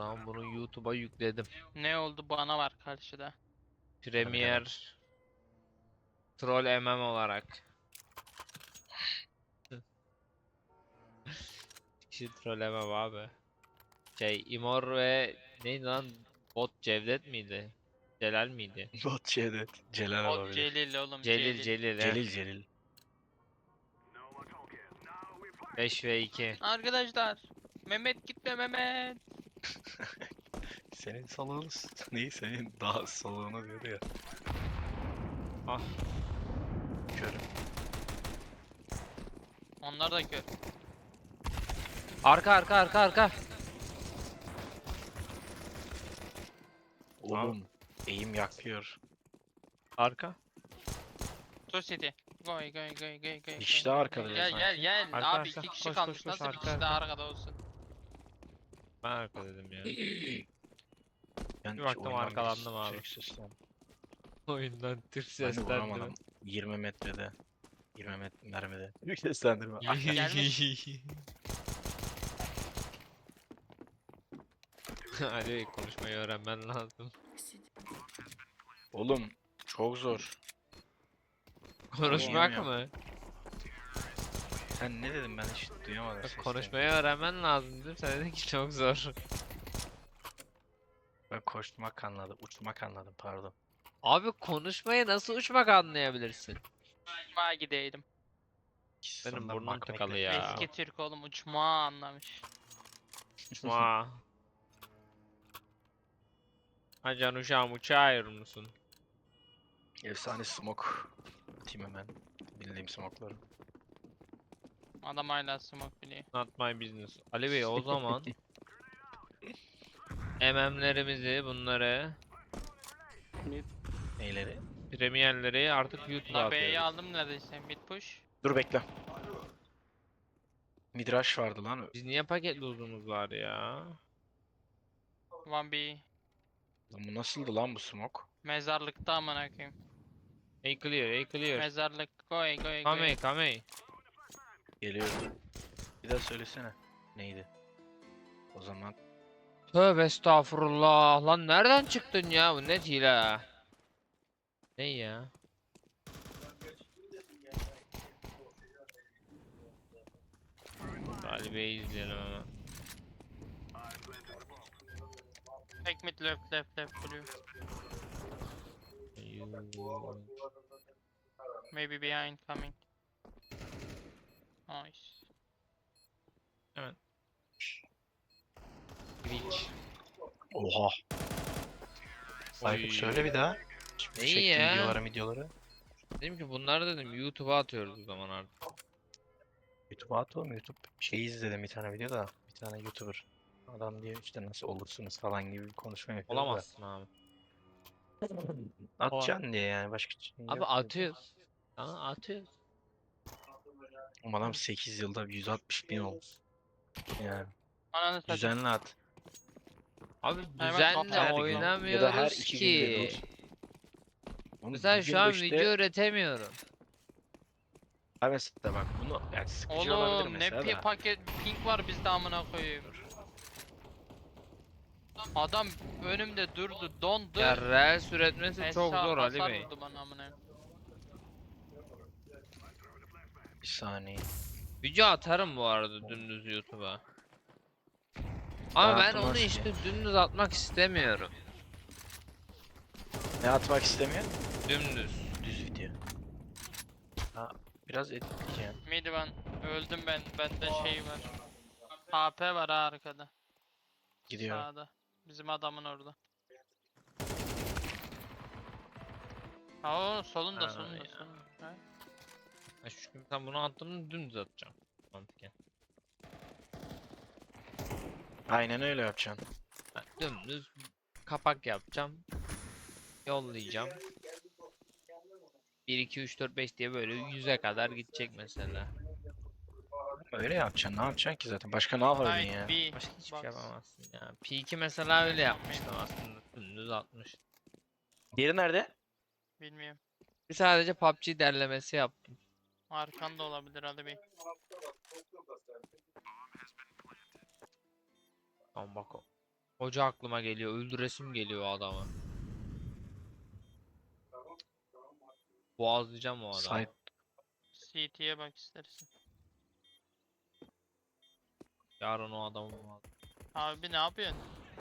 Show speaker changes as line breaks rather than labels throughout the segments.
zaman bunu YouTube'a yükledim.
Ne oldu bana var karşıda.
Premiere Troll MM olarak. Kişi Troll MM abi. Imor ve neydi lan? Bot Cevdet miydi? Celal miydi?
Bot Cevdet. Celal
Bot
olabilir.
Celil oğlum
Celil
Celil.
Celil he.
Celil.
5 ve 2.
Arkadaşlar. Mehmet gitme Mehmet.
Senin salığın neyi senin daha salığını diyor ya.
Ah.
Körüm.
Onlar da kör.
Arka.
Oğlum eğim yakıyor.
Arka.
Two City. Goy.
İşte arkada
Gel
sanki.
Abi
Arka.
iki kişi
Koş,
kalmış.
koş,
Nasıl bir
arka,
kişi daha
arka.
arkada olsun?
Ben arka dedim ya.
Ben
Bir baktım
oyundan
arkalandım abi.
Türk seslendim.
Oyundan Türk
Ben de
seslendim.
vuramadım. 20 metrede. 20 mermide. Türk seslendirme.
Gelmiş.
Ali konuşmayı öğrenmen lazım.
Oğlum çok zor.
Konuşmak
Oynayamıyorum.
mı?
Sen ne dedin ben hiç duyamadım sesini.
Konuşmayı öğrenmen lazım dedim. Sen dedin ki çok zor.
Ben koşmak anladım. Uçmak anladım pardon.
Abi konuşmayı nasıl uçmak anlayabilirsin?
Uçmağa gidelim.
İkisi
Benim
de
burnum
bakmakla
tıkalı ya.
ilgili.
Eski Türk oğlum uçmağı anlamış.
Uçma. Ha can uşağım uçağır musun?
Efsane smoke. Atayım hemen. Bildiğim smoke'ları.
Adam hala smoke biliyor.
Not my business. Ali Bey o zaman MM'lerimizi bunları
Neyleri?
premierleri artık YouTube'a
La B'yi
atıyoruz.
aldım neredeyse. Mid push.
Dur bekle. Midrash vardı lan.
Biz niye paketli uzunuz var ya?
1B.
Lan bu nasıldı lan bu smoke?
Mezarlıkta amına koyayım.
Hey clear, hey clear.
Mezarlık. Goy.
Come.
Geliyor. Bir daha söylesene. Neydi? O zaman
Tövbe estağfurullah. Lan nereden çıktın ya? Bu ne hile? Ne ya? Ali Bey'i izleyelim hemen.
Take mid left blue. Maybe behind coming. Nice.
Glitch.
oha. Aykut söyle bir daha.
İyi
Çektiğin
ya.
videoları.
Dedim ki bunları dedim YouTube'a atıyoruz o zaman artık.
YouTube'a at oğlum. YouTube şey izledim bir tane video da. Bir tane YouTuber. Adam diyor işte nasıl olursunuz falan gibi bir konuşma yapıyor da.
Olamazsın abi.
Atacaksın diye yani başka şey
Abi
yok.
atıyoruz. Aa, atıyoruz.
Ama adam 8 yılda 160.000 oldu. Yani
Ananı satayım.
düzenli at.
Abi
Hemen
düzenle
kapat.
Her gün
oynamıyoruz
ya da her 2 günde
ki.
bir. Oğlum
Mesela
bir
şu
günde
an
işte-
video üretemiyorum.
Ha mesela bak bunu yani sıkıcı olabilir
Oğlum ne
mesela da.
paket pink var bizde amına koyayım. Adam önümde durdu, dondu.
Ya Reels üretmesi çok
Esra
zor Ali
hasar
Bey.
vurdu bana amına.
Bir saniye.
Video atarım bu arada dümdüz YouTube'a. Ama ben onu
Dağıtılmaz ki.
işte dümdüz atmak istemiyorum.
Ne atmak istemiyor?
Dümdüz.
Düz video. Ha biraz editleyeceğim.
Midvan öldüm ben. Bende şey var. HP var ha arkada.
Gidiyor.
Sağda. Bizim adamın orada. Oo solunda
Ha,
solunda
ya.
solunda. Ha?
Ha, çünkü ben bunu attım dümdüz atacağım. Mantıken.
Aynen öyle yapacaksın.
Ben dümdüz kapak yapacağım. Yollayacağım. 1 2 3 4 5 diye böyle 100'e kadar gidecek mesela.
Öyle yapacaksın. Ne yapacaksın ki zaten? Başka ne yapabilirsin
Side
ya?
B.
Başka hiçbir şey
Box.
yapamazsın ya. P2 mesela öyle yapmıştım aslında. Dümdüz atmış.
Diğeri nerede?
Bilmiyorum.
Bir sadece PUBG derlemesi yaptım.
Arkanda olabilir hadi bir.
Tamam bak o. Hoca aklıma geliyor. Öldüresim geliyor o adamı. Boğazlayacağım o adamı.
Site
CT'ye bak istersen.
Yarın o adamı
Abi ne yapıyorsun?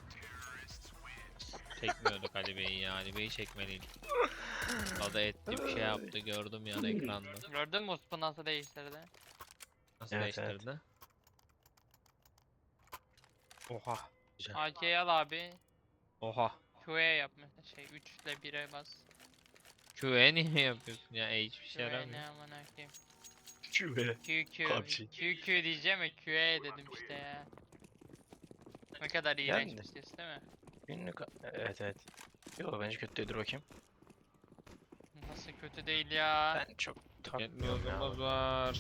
çekmiyorduk Ali Bey'i ya. Ali Bey'i çekmeliydik. O da etti bir şey yaptı gördüm yani ekranda.
Gördün mü Uspu nasıl değiştirdi?
Nasıl
Evet, evet.
değiştirdi? Oha.
güzel.
AK'yi al abi.
Oha.
Q'ye yap mesela şey 3 ile 1'e bas.
QE niye yapıyorsun ya? Hiçbir şey
Q'ye
yaramıyor.
ne amına koyayım.
Şube.
QQ.
PUBG.
QQ diyeceğim ya Q'ye dedim işte ya. Ne kadar iğrenç
Yani.
bir ses değil mi?
Günlük evet evet. Yo bence kötü değildir bakayım.
Nasıl kötü değil ya.
Ben çok
Yetmiyor
takmıyorum ya.
yolumuz var.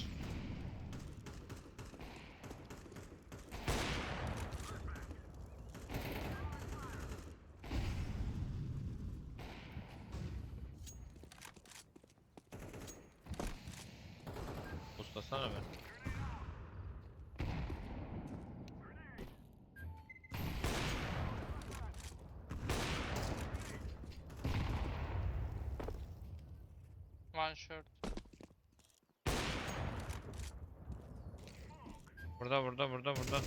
Ustasana be.
One short.
Burada.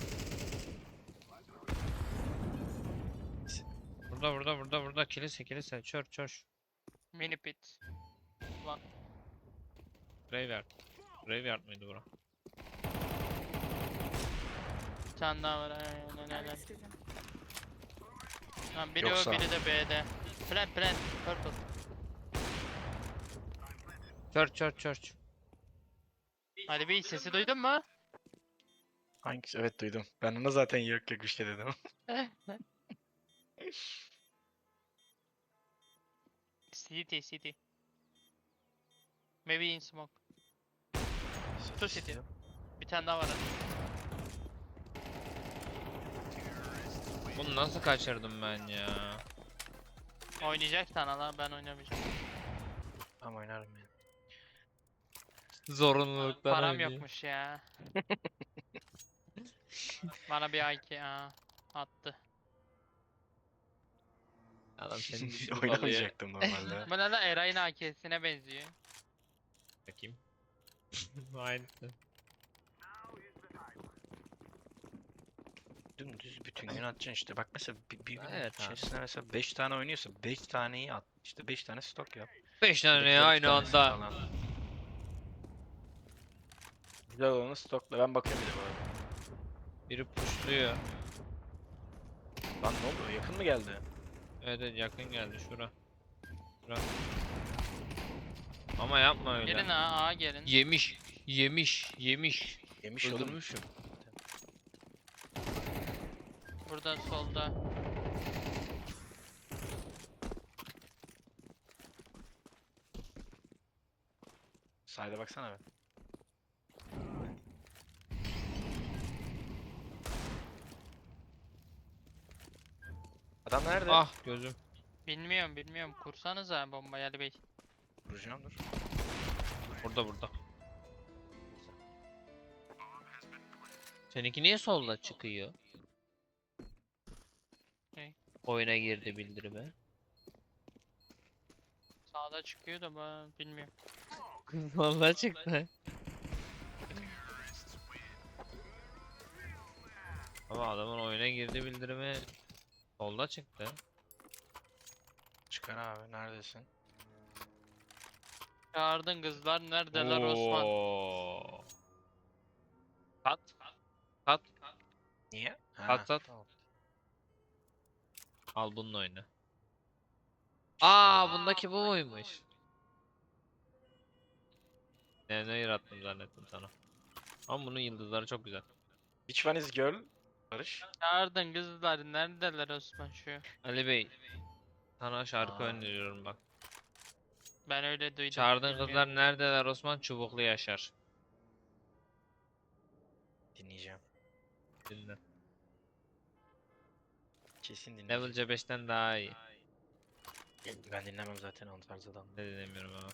Burada. Kilise. Çör.
Mini pit. One.
Graveyard. Graveyard mıydı bura?
Bir tane daha var. Aynen. Lan biri
Yoksa-
o biri de B'de. Plant. Purple.
Church.
Hadi bir sesi duydun mu?
Hangisi? Evet duydum. Ben ona zaten yok bir şey dedim.
City. Maybe in smoke. Two city. Bir tane daha var hadi.
Bunu nasıl kaçırdım ben ya?
Oynayacak sana lan ben oynamayacağım.
Ama oynarım ya.
Zorunluluktan
Param
oynuyor.
yokmuş ya. Bana bir IK attı.
Adam seni düşürüp alıyor.
Oynamayacaktım normalde.
Bana da Eray'ın AK'sine benziyor.
Bakayım. Aynısı.
Dümdüz bütün gün atacaksın işte. Bak mesela bir gün
Evet abi.
içerisinde mesela 5 tane oynuyorsa 5 taneyi at. İşte 5 tane stok yap.
5 tane
Buradakiler iki
aynı
tanesi
anda.
falan. Güzel olanı stokla. Ben bakıyorum bir de bu arada.
Biri pushluyor.
Lan ne oldu? Yakın mı geldi?
Evet yakın geldi şura. Ama yapma öyle.
Gelin ha gelin.
Yemiş.
Yemiş oğlum.
Öldürmüşüm.
Burada solda.
Sayda baksana be. Adam nerede?
Ah gözüm.
Bilmiyorum. Kursanıza bombayı Ali Bey.
Vuracağım dur.
Burada. Seninki niye solda çıkıyor?
Ne?
Oyuna girdi bildirime.
Sağda çıkıyor da ben bilmiyorum.
Vallahi çıktı. Ama adamın oyuna girdi bildirimi solda çıktı.
Çıkar abi neredesin?
Çağırdın kızlar neredeler Osman?
Oo. Kat.
Niye?
At.
Tamam.
Al bununla oyna. Aa bundaki bu muymuş? Ne yarattım zannettim sana. Ama bunun yıldızları çok güzel.
Which one is girl? Barış.
Çağırdın kızlar neredeler Osman şu?
Ali Bey, sana şarkı
Aa.
öneriyorum bak.
Ben öyle duydum.
Çağırdığın
bilmiyorum.
kızlar neredeler Osman? Çubuklu Yaşar.
Dinleyeceğim.
Dinle.
Kesin
Level
dinleyeceğim.
C5'ten daha iyi.
Ben dinlemem zaten o tarz adam.
Ne dinlemiyorum ama.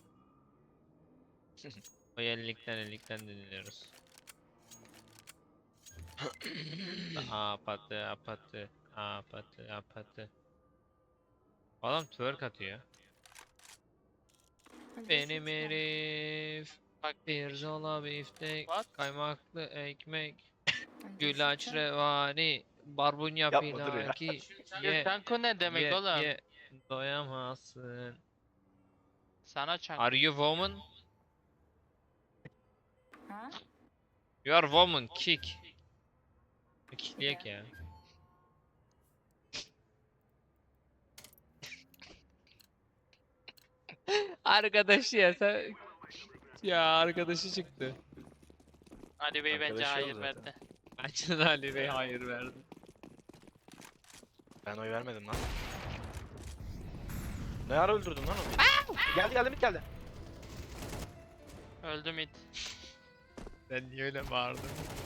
O 50'likten dinliyoruz. Apatı apatı apatı apatı. Adam twerk atıyor. Benim herif.
Bak
Pirzola biftek.
What?
Ekmek. Güllaç revani. Barbunya
Yapma, dur ya.
pilaki. Ye
Çanko ne demek oğlum?
ye. Doyamazsın.
Sana çanko.
Are you woman?
Ha?
You are woman. Kick. Kickleyek ya. Arkadaşı ya sen. Ya arkadaşı çıktı.
Ali Bey bence
Arkadaşı yok
hayır
zaten.
verdi.
Bence de Ali Bey hayır verdi.
Ben oy vermedim lan. Ne ara öldürdün lan onu? Geldi mid geldi.
Öldü mid.
Ben niye öyle bağırdım?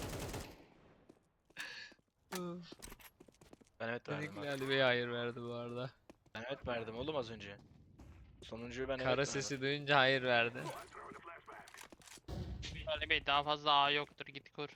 Ben evet verdim.
Kesinlikle
Abi.
Ali Bey hayır verdi bu arada.
Ben evet verdim oğlum az önce. Sonuncuyu ben evet
Kara
verdim.
sesi duyunca hayır verdi.
Ali Bey daha fazla A yoktur git kur.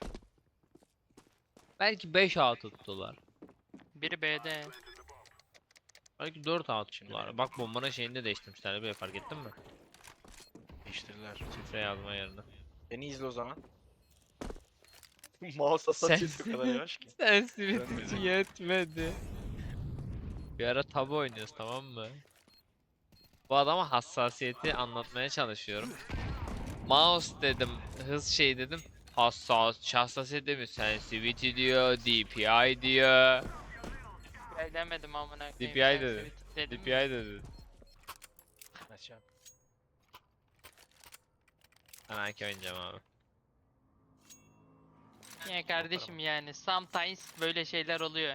Belki 5 A tuttular.
Biri B'de.
Belki 4 A
Şimdi
tuttular.
benim-
Bak bombanın şeyini de değiştirmişler Ali Bey, fark ettin mi?
Değiştirdiler.
Şifre yazma yerine.
Beni izle o zaman. Mouse hassasiyeti o kadar yavaş ki.
Sensitivity
Dönmedi.
yetmedi. Bir ara tabu oynuyoruz, tamam mı? Bu adama hassasiyeti anlatmaya çalışıyorum. Mouse dedim, hız şey dedim. Hassasiyet demiyor, sensitivity diyor, DPI diyor.
DPI demedim amına koyayım.
DPI
sen
dedi.
sweet dedim
DPI
mi?
dedi.
Açacağım.
Ben AK oynayacağım abi.
Ya kardeşim yani sometimes böyle şeyler oluyor.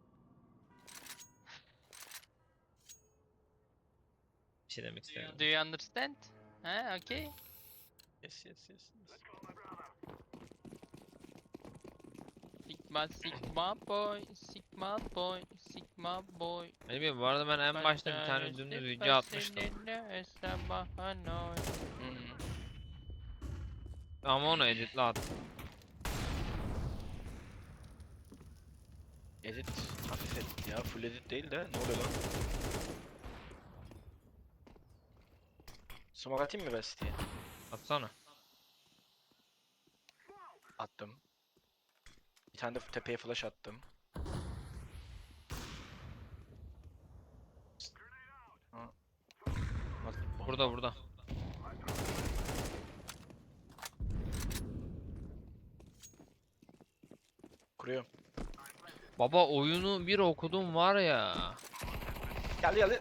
Bir şey demek istemiyorum.
Do you understand? Ha, okay.
Yes yes yes.
Sigma sigma boy, sigma boy, sigma boy.
Ali Bey, bu arada ben en başta bir tane dümdüz video atmıştım. Ama onu editle attım.
Edit, hafif edit ya, full edit değil de ne oluyor lan? Smoke atayım mı Best diye?
Atsana.
Attım. Bir tane de tepeye flash attım. Ha.
Burada burada.
Kuruyorum.
Baba oyunu bir okudum var ya.
Geldi geldi.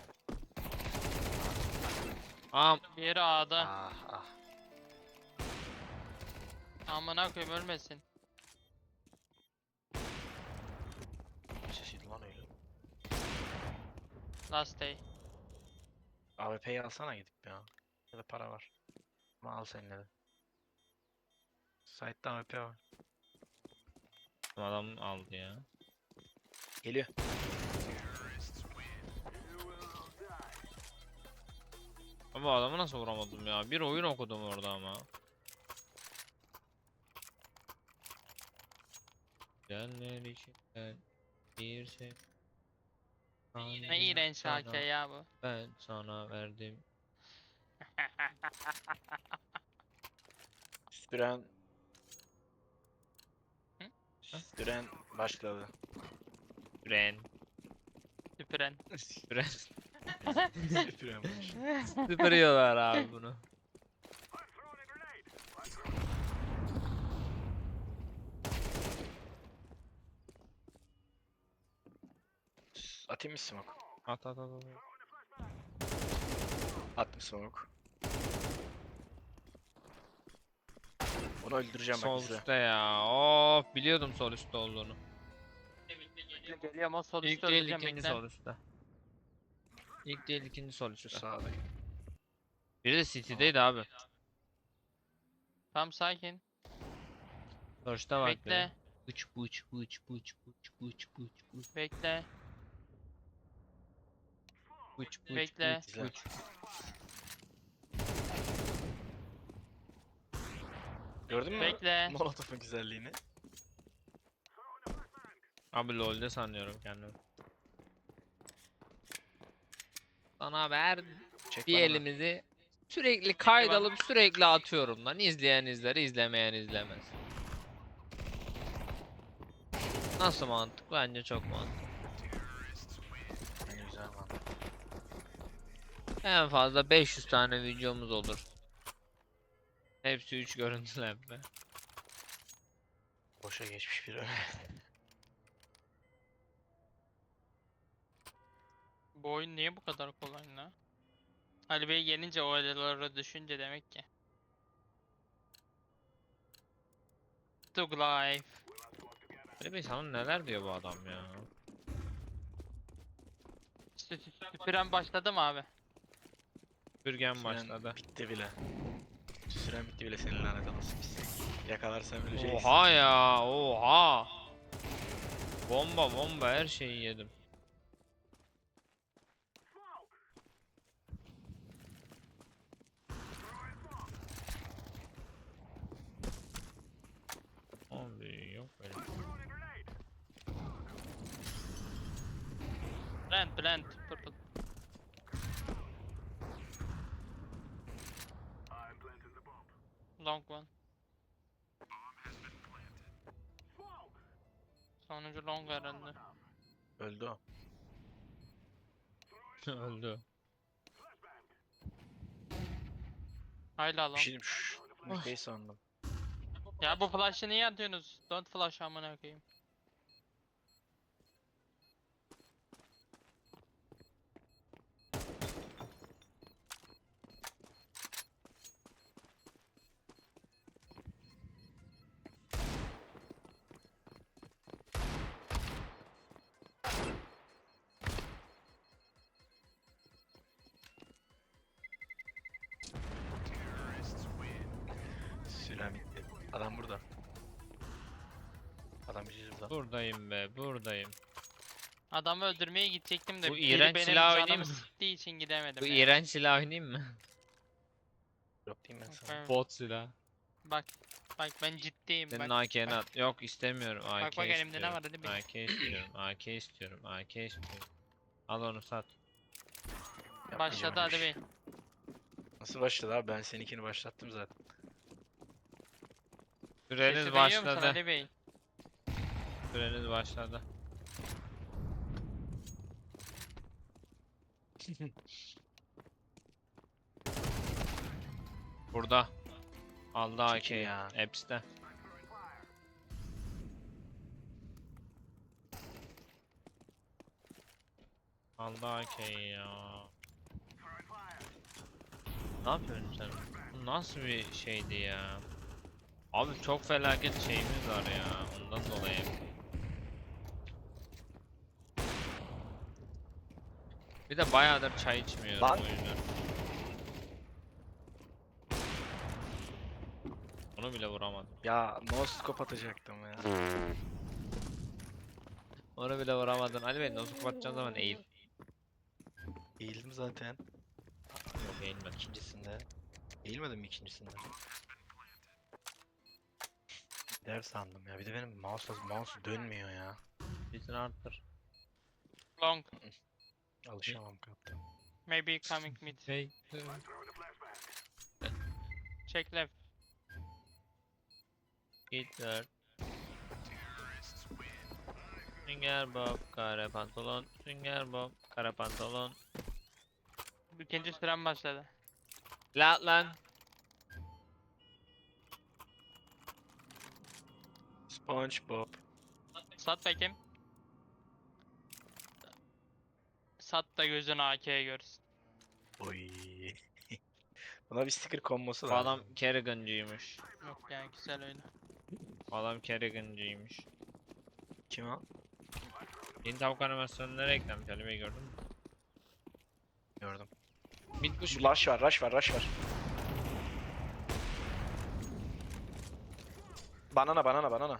Am
Bir A'da.
Ah ah.
Amına koyayım ölmesin.
Sesiydi lan öyle.
Last day.
AWP'yi alsana gidip ya. Ya da para var. Ama al seninle de. Site'da AWP var.
adam aldı ya.
Geliyor.
Ama adamı nasıl vuramadım ya? Bir oyun okudum orada ama. Gelenler içinden bir şey.
Ne iğrenç AK ya bu.
Ben sana verdim.
Süren.
Hı?
Süren başladı.
Süren.
Süpüren.
Süren.
Süren başladı.
Süpürüyorlar abi bunu.
Atayım mı smoke?
At at at at.
Attım smoke. Onu öldüreceğim bak
Sol
izle.
üstte ya. Of, biliyordum sol üstte olduğunu.
Geliyor ama sol
İlk
üstte
değil
öleceğim
ikinci
bekle.
sol üstte. İlk değil ikinci sol
Şu
üstte.
sağda.
Biri de City'deydi abi.
Tam sakin.
First'ta bak
Bekle.
Bıç bıç bıç bıç bıç bıç bıç bıç
Bekle.
bıç bıç
Bekle.
bıç bıç.
Gördün mü?
Bekle.
Molotov'un güzelliğini.
Abi LoL'de sanıyorum kendimi. Sana ver
Çek
bir
bana da.
elimizi sürekli kaydalıp sürekli atıyorum lan. İzleyen izler, izlemeyen izlemez. Nasıl mantık? Bence çok mantıklı.
Yani güzel lan.
En fazla 500 tane videomuz olur. Hepsi 3 görüntülenme.
Boşa geçmiş bir ömür.
Bu oyun niye bu kadar kolay lan? Ali Bey gelince o adalara düşünce demek ki. Tug Life.
Ali Bey sana neler diyor bu adam ya?
Süren başladı mı abi?
Bürgen
Süren
başladı.
bitti bile. Süren bitti bile senin lanet olası pis. Yakalarsan öleceğiz.
Oha ya, oha. Bomba bomba her şeyi yedim. Abi yok böyle.
Plant. Purple. Long one. Sonuncu long herhalde.
Öldü o.
Öldü.
Hala
Bir
long.
şey diyeyim. Mükreyi sandım.
Ya bu flash'ı niye atıyorsunuz? Don't flash amına koyayım.
Süren bitti. Adam burada. Adam bizi burada.
Buradayım be, buradayım.
Adamı öldürmeye gidecektim de
Bu
biri
iğrenç
benim
silahı oynayayım
canımı
mı?
sıktığı için gidemedim
Bu
ya.
iğrenç silah oynayayım mı?
Yok diyeyim ben sana.
Evet.
Bot silah.
Bak ben ciddiyim
Senin
bak.
AK'ni at. Yok istemiyorum. AK
bak elimde ne
istiyorum.
var hadi bir.
AK istiyorum. AK istiyorum. AK istiyorum. Al onu sat.
Yapmayacağım
Başladı
öyle bir
hadi
şey.
bey.
Nasıl başladı abi? Ben seninkini başlattım zaten.
Süreniz
Sesi duyuyor musun
başladı.
Ali Bey?
Süreniz başladı. Burada. Aldı
Çok iyi
AK'yi.
ya.
Apps'te. Aldı AK'yi ya. Ne yapıyorsun sen? Bu nasıl bir şeydi ya? Abi çok felaket şeyimiz var ya. Ondan dolayı. Bir de bayağıdır çay içmiyorum
Lan!
o yüzden. Onu bile vuramadım.
Ya no scope atacaktım ya.
Onu bile vuramadın. Ali Bey nasıl kapatacağın zaman eğil.
Eğildim zaten.
Yok eğilmedim.
İkincisinde. Eğilmedim mi ikincisinde? Dev sandım ya. Bir de benim mouse dönmüyor ya.
Sesini arttır.
Long.
Alışamam kaptan.
Maybe coming mid.
Hey.
Check left.
Hitler. Sünger Bob, kare pantolon. Sünger Bob, kare pantolon.
İkinci süren başladı.
Lan.
SpongeBob.
Sat bakayım. Sat da gözün AK'ye görsün.
Oy. Buna bir sticker konması
Bu
lazım.
adam Kerrigan'cıymış.
Yok ya güzel öyle.
Bu adam Kerrigan'cıymış.
Kim o?
Yeni tavuk animasyonu nereye eklenmiş Ali Bey gördün mü?
Gördüm.
Mid push.
Rush var. Banana.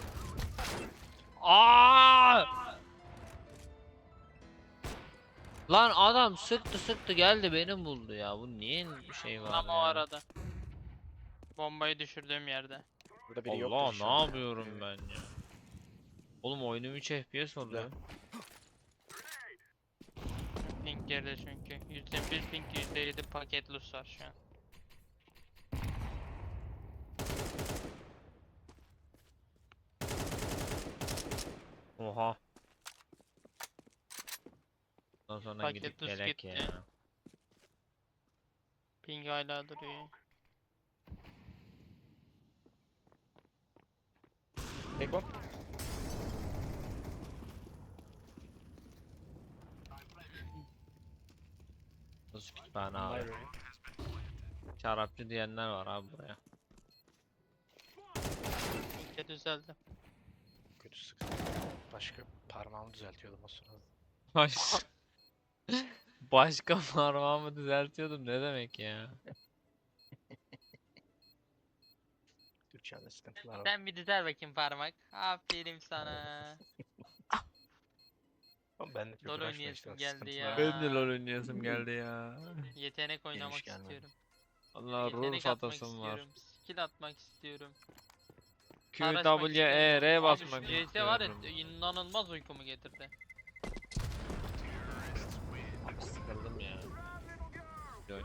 Aa! Lan adam sıktı geldi beni buldu ya. Bu niye bir şey var
Tam o
ya?
arada. Bombayı düşürdüğüm yerde.
Burada biri yoktur
Allah ne
inşallah ya.
yapıyorum ben ya? Oğlum oyunum 3 FPS oluyor.
Ping geride çünkü. %1 ping, %7 paket loss var şu an.
Oha. Ondan sonra
Paket
gidip
düz
gelek
gitti.
ya.
Ping hala duruyor.
Tek bom.
Nasıl kütüphane abi?
Library.
Şarapçı diyenler var abi buraya.
Ping de düzeldi.
Kötü sıktı. Başka parmağımı düzeltiyordum o sırada.
Baş... Başka parmağımı düzeltiyordum ne demek ya?
Türkçemde sıkıntılar var.
Sen bir düzel bakayım parmak. Aferin sana.
Ama ben de çok
LoL
uğraşma
oynayasım
işte,
geldi
sıkıntılar
ya.
var.
Ben de LoL oynayasım geldi ya.
Yetenek oynamak
gelmedi.
istiyorum.
Allah
Yetenek
Rus
atmak
atasım var.
istiyorum. Skill atmak istiyorum.
Q,
Araşmak
W,
istiyorum.
E, R
Abi
basmak
şu CS var ya
istiyorum.
inanılmaz uykumu getirdi.
Sıkıldım ya. LoL.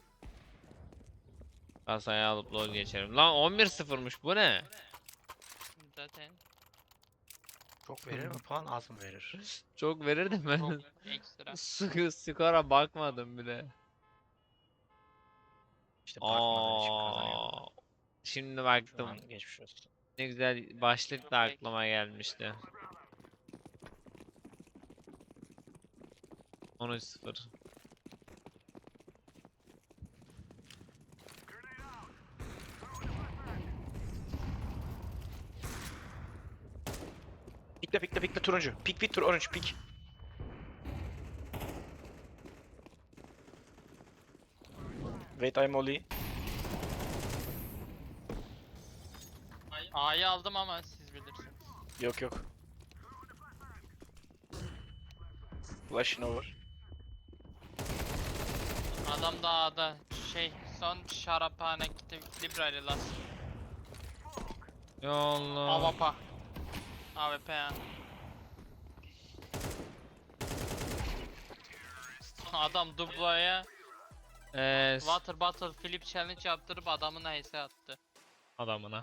Kasayı alıp LoL geçerim. Lan 11-0'mış bu ne?
Zaten
Çok verir mi puan, az mı verir?
Çok verirdim ben.
çok ekstra.
Skora bakmadım bile.
İşte bakmadan için kazanıyor.
Aa, şimdi
Şu
baktım.
an geçmiş olsun.
Ne güzel başlık da aklıma gelmişti. 13-0.
Pikle turuncu. Pik tur orange pik. Wait I'm Oli.
A'yı aldım ama siz bilirsiniz.
Yok. Flashing over.
Adam da A'da son şaraphane gitti library last.
Ya Allah.
AWP. AWP ya. Adam dublaya water bottle flip challenge yaptırıp adamına HS attı.
Adamına.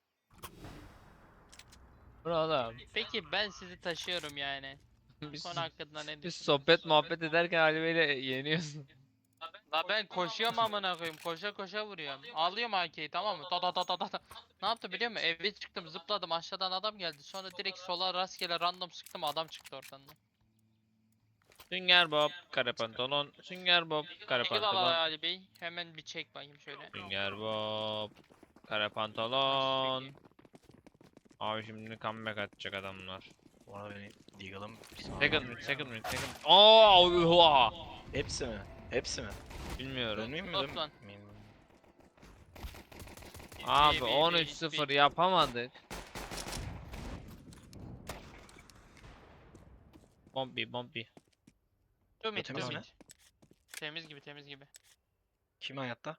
Burada
Peki ben sizi taşıyorum yani.
biz,
Konu hakkında ne
biz
düşünüyorsunuz?
sohbet muhabbet ederken Ali Bey'le yeniyorsun.
La ben koşuyorum amına koyayım. Koşa vuruyorum. Alıyorum AK'yi tamam mı? Da. Ne yaptı biliyor musun? Eve çıktım zıpladım aşağıdan adam geldi. Sonra direkt sola rastgele random sıktım adam çıktı oradan da.
Sünger Bob, kare pantolon. Sünger Bob, kare
Eyvallah
pantolon.
Ali Bey. Hemen bir çek bakayım şöyle.
Sünger Bob, kare pantolon. Abi şimdi comeback atacak adamlar.
Ona beni Deagle'ım.
Second mid. Aa, oha.
Hepsi mi? Hepsi mi?
Bilmiyorum.
Dönmeyeyim mi?
Toplan.
Dönmeyeyim mi?
Abi
Bir,
13-0 yapamadık. Bombi.
Temiz
Temiz mi?
Temiz gibi.
Kim hayatta?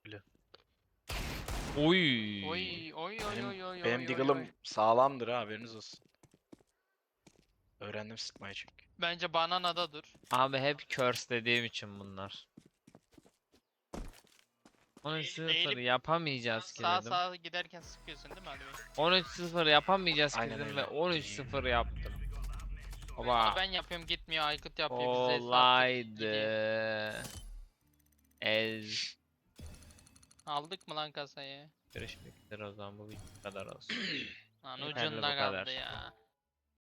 Oy.
Oy.
Benim Deagle'ım sağlamdır ha, haberiniz olsun. Öğrendim sıkmayı çünkü.
Bence bananada dur.
Abi hep curse dediğim için bunlar. 13-0
Eğilip
yapamayacağız ki dedim.
Sağa giderken sıkıyorsun değil mi Ali Bey?
13-0 yapamayacağız ki
Aynen
dedim
öyle.
ve 13-0 yaptım. Baba.
Ben yapıyorum gitmiyor Aykut yapıyor bize hesap gidiyor.
Olaydı. Ez.
Aldık mı lan kasayı?
Görüşmek üzere o zaman bu video bu kadar olsun.
Lan
Yeterli bu
ucunda
kadar.
kaldı ya.